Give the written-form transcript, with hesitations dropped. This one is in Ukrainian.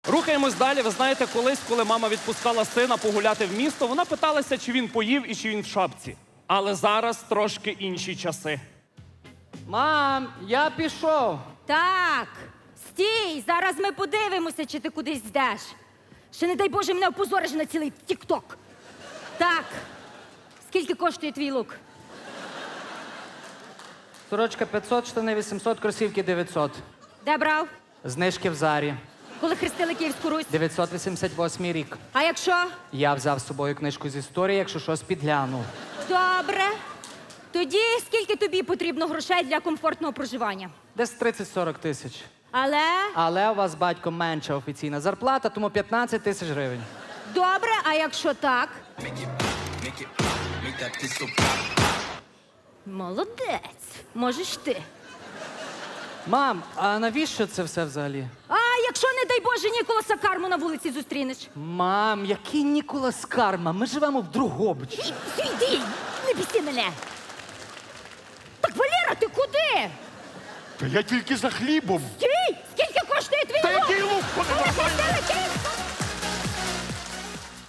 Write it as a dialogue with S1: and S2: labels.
S1: Рухаємось далі. Ви знаєте, колись, коли мама відпускала сина погуляти в місто, вона питалася, чи він поїв і чи він в шапці. Але зараз трошки інші часи.
S2: Мам, я пішов.
S3: Так, стій, зараз ми подивимося, чи ти кудись йдеш. Ще не дай Боже, мене опозориш на цілий тік-ток. Так, скільки коштує твій лук?
S2: Сорочка 500, штани 800, кросівки 900.
S3: Де брав?
S2: Знижки в Зарі.
S3: Коли хрестили Київську Русь?
S2: 988 рік.
S3: А якщо?
S2: Я взяв з собою книжку з історії, якщо щось підгляну.
S3: Добре. Тоді скільки тобі потрібно грошей для комфортного проживання?
S2: Десь 30-40 тисяч.
S3: Але?
S2: Але у вас, батько, менша офіційна зарплата, тому 15 тисяч гривень.
S3: Добре, а якщо так? Молодець. Можеш ти.
S2: Мам, а навіщо це все взагалі?
S3: А якщо, не дай Боже, Ніколаса Карму на вулиці зустрінеш?
S2: Мам, який Ніколас Карма? Ми живемо в Другобичі.
S3: Йди, не бісти мене. Так, Валера, ти куди?
S4: Та я тільки за хлібом.
S3: Стій!